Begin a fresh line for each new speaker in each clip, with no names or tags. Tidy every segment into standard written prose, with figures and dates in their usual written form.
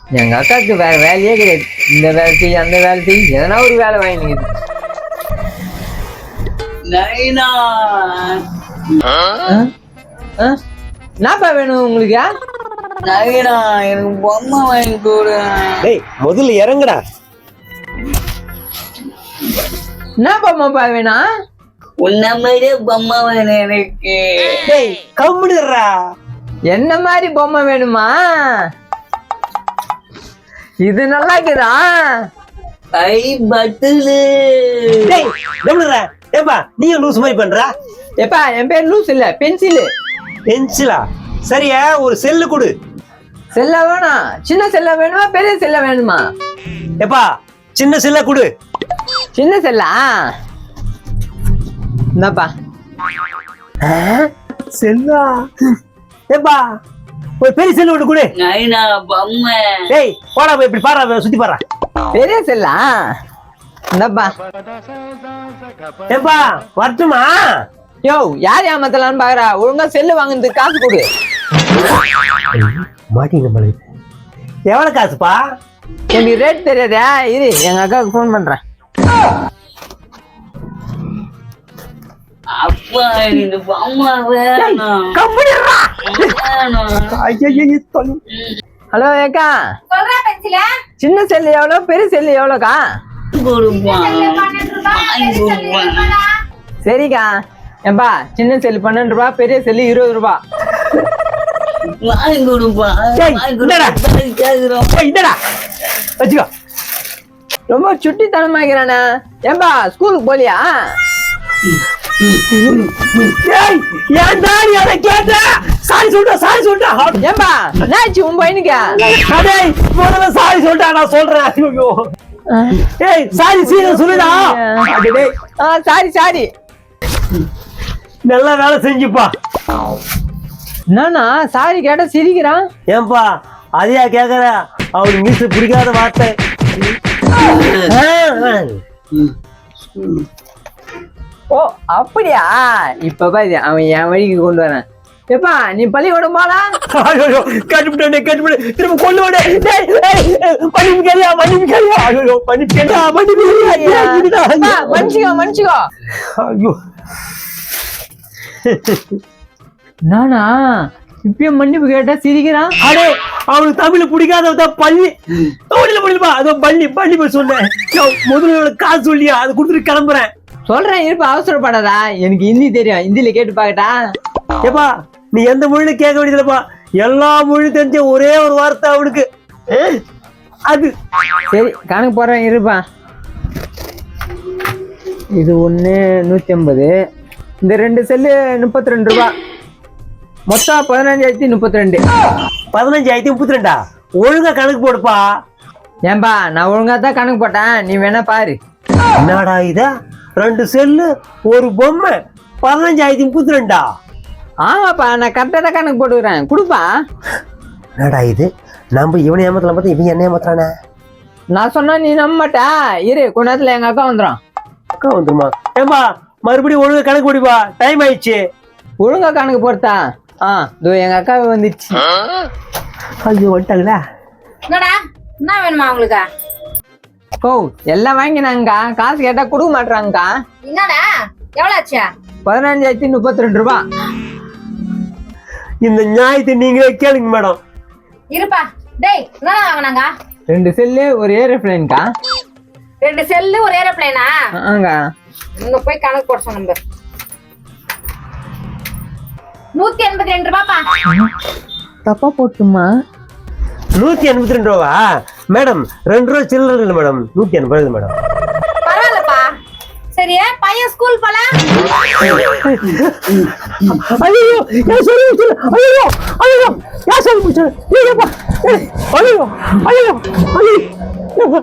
எங்க அக்காவுக்கு வேற வேலையே கிடையாது. இந்த வேலை செய்ய அந்த வேலை செய்ய எதனா ஒரு வேலை வாங்கிக்குது. என்னப்பா வேணும் உங்களுக்கு?
நவீனா எனக்கு பொம்மை வாங்கி கொடு.
டேய் முதல்ல இறங்குடா.
என்ன பொம்மைப்பா வேணும்?
உன்ன மாதிரியே பொம்மை வேணும் எனக்கு.
டேய் கம்முடுறா.
என்ன மாதிரி பொம்மை வேணுமா? இது நல்லா இருக்குதா?
ஐ பட்டுலு.
டேய் கம்முடுறா. ஏப்பா நீ லூஸ் மாதிரி பண்றா?
எப்பா என் பேர் லூஸ் இல்ல, பென்சிலு.
பென்சிலா? சரியா ஒரு செல்லு கொடு.
செல்ல வேணும். சின்ன செல்ல வேணுமா பெரிய செல்ல வேணுமா?
ஏப்பா சின்ன செல்ல கொடு.
சின்ன செல்லா? இந்தாப்பா.
செல்லா? ஏப்பா ஒரு பெரிய செல்லு ஒன்று கொடு.
நவீனா பொம்மை.
டேய் போடா போய் இப்படி பாரா, சுத்தி பாரா.
பெரிய செல்லா? இந்தாப்பா.
ஏப்பா வரட்டுமா?
யோ யார் ஏமாத்தலான்னு பாக்குறா? ஒழுங்கா செல்லு வாங்குறதுக்கு காசு கொடு.
மாட்டிங்க மலை. எவ்வளவு காசுப்பா?
எனக்கு ரேட் தெரியாதா? இரு எங்க அக்காவுக்கு ஃபோன் பண்றேன்.
அப்பா எனக்கு பொம்மை வேணும்.
ஹலோ ஏக்கா,
சொல்றா பென்சில.
சின்ன செல்லு எவ்வளோ, பெரிய செல்லு எவ்வளோக்கா? சரிக்கா. ஏன்பா சின்ன செல்லு 12 ரூபா, பெரிய செல்லு 20 ரூபா.
வாங்கி கொடுப்பா.
வச்சுக்கோ.
ரொம்ப சுட்டித்தனமாக்கிறானே. ஏன்பா ஸ்கூலுக்கு போலியா?
ஏன்டா நீ அதை கேட்ட? சாரி சொல்லிட்டா.
ஏன்பா என்னாச்சு உன் பையனுக்கு?
டேய் முதல்ல சாரி சொல்லிட்டா, நான் சொல்றேன். ஐயோ ஏய் சாரி சீக்கிரம் சொல்லுடா.
Sorry sorry.
நல்ல வேலை செஞ்சுப்பா.
என்னன்னா சாரி கேட்டா சிரிக்கிறான்.
ஏன்பா அதையா கேக்குற? அவனுக்கு மீசு பிடிக்காத வார்த்தை.
ஓ அப்படியா? இப்ப பாரு அவன் என் வழிக்கு கொண்டு வரான். எப்பா நீ பள்ளிக்கூடம் போலா?
கட்டுப்பிட்டே திரும்ப கொண்டு விட.
மன்னிச்சுக்கோ.
ஐயோ
நானா இப்பயும் மன்னிப்பு கேட்டா சிரிக்கிறான்.
அடே அவனுக்கு தமிழ் பிடிக்காததான் பள்ளி. முடியலப்பா அதோ பள்ளி போய் சொன்னேன். முதல்ல காசு சொல்லியா அதை கொடுத்துட்டு கிளம்புறேன்.
சொல்றேன் இருப்ப, அவசரப்படாதா. எனக்கு ஹிந்தி தெரியும், ஹிந்தியில கேட்டு பாக்கட்டா?
ஏப்பா நீ எந்த மொழியில கேட்க வேண்டியதுலப்பா, எல்லா மொழியும் தெரிஞ்ச ஒரே ஒரு வார்த்தை அவனுக்கு அது.
சரி கணக்கு போடுறேன் இருப்பா. இது 1 150. இந்த 2 செல்லு 32 ரூபா. மொத்தம் 15,032.
15,032. ஒழுங்கா கணக்கு போடுப்பா.
ஏன்பா நான் ஒழுங்கா தான் கணக்கு போட்டேன், நீ வேணா பாரு.
என்னடா இதா 2 செல்லு ஒரு பொம்மை 15,032.
ஆமாப்பா நான் கரெக்டா தான் கணக்கு போட்டுக்கிறேன், கொடுப்பா.
என்னடா இது, நம்ம இவனை ஏமாத்தலாம் பார்த்தா இவன் என்ன ஏமாத்துறானே.
நான் சொன்னா நீ நம்ப மாட்டா. இரு கொஞ்ச நேரத்துல எங்க அக்கா வந்துடும்.
அக்கா வந்துருமா? ஏம்பா மறுபடியும் ஒழுங்கா கணக்கு போடுப்பா, டைம் ஆயிடுச்சு.
ஒழுங்கா கணக்கு போட்டா? இதோ எங்க அக்கா வந்துச்சு.
ஐயோ வந்துட்டாங்களா?
என்னடா என்ன வேணுமா உங்களுக்கு?
ஓ எல்லாம் வாங்கினாங்கக்கா, காசு கேட்டா கொடுக்க மாட்டாங்கக்கா.
என்னடா எவ்வளவு ஆச்சு?
15,032 ரூபா.
இந்த நியாயத்தை நீங்களே கேளுங்க மேடம்.
இருப்பா. டேய் என்ன வாங்கினாங்க?
2 செல்லு ஒரு ஏரோப்ளேன்க்கா.
2 செல்லு ஒரு ஏரோப்ளேனா?
ஆங்க.
இங்க போய் கணக்கு போட சொன்ன. 182 ரூபாப்பா.
தப்பா போட்டுமா?
182 ரூபா மேடம். 2 ரூபா சில்லற இல்லை மேடம், 180 மேடம்.
பரவாயில்லப்பா. சரி பையன் ஸ்கூல் போல?
ஐயோ நான் சொல்லி ஐயோ ஐயோ நான் சொல்லி முடிச்சேன். ஐயோ ஐயோ ஐயோ.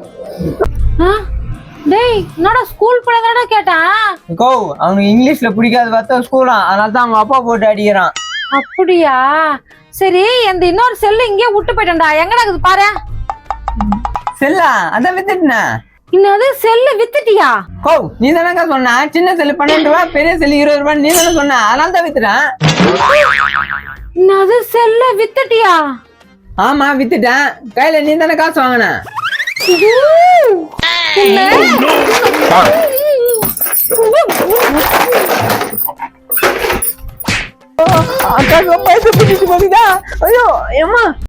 டேய் என்னடா ஸ்கூல் போலதானடா கேட்டான்.
கோ அவனுக்கு இங்கிலீஷ்ல பிடிக்காது பார்த்தா ஸ்கூலா, அதனால தான் அவங்க அப்பா போட்டு அடிக்கிறான்.
அப்படியா? சரி அந்த இன்னொரு செல்லு இங்கே விட்டு போயிட்டேன்டா, எங்கடா இருக்குது பாரு.
செல்லா அதான் வித்துட்டுன.
இன்னது செல்லு வித்துட்டியா?
கோ நீ தானக்கா சொன்ன சின்ன செல்லு 12 ரூபா, பெரிய செல்லு 20 ரூபாய். நீ தானே சொன்ன, அதனால தான் வித்துட்டேன்.
இன்னது செல்லு வித்துட்டியா?
ஆமா வித்துட்டேன். கையில நீ தானே காசு வாங்கின. அக்கா ரொம்ப ஐயோ ஏமா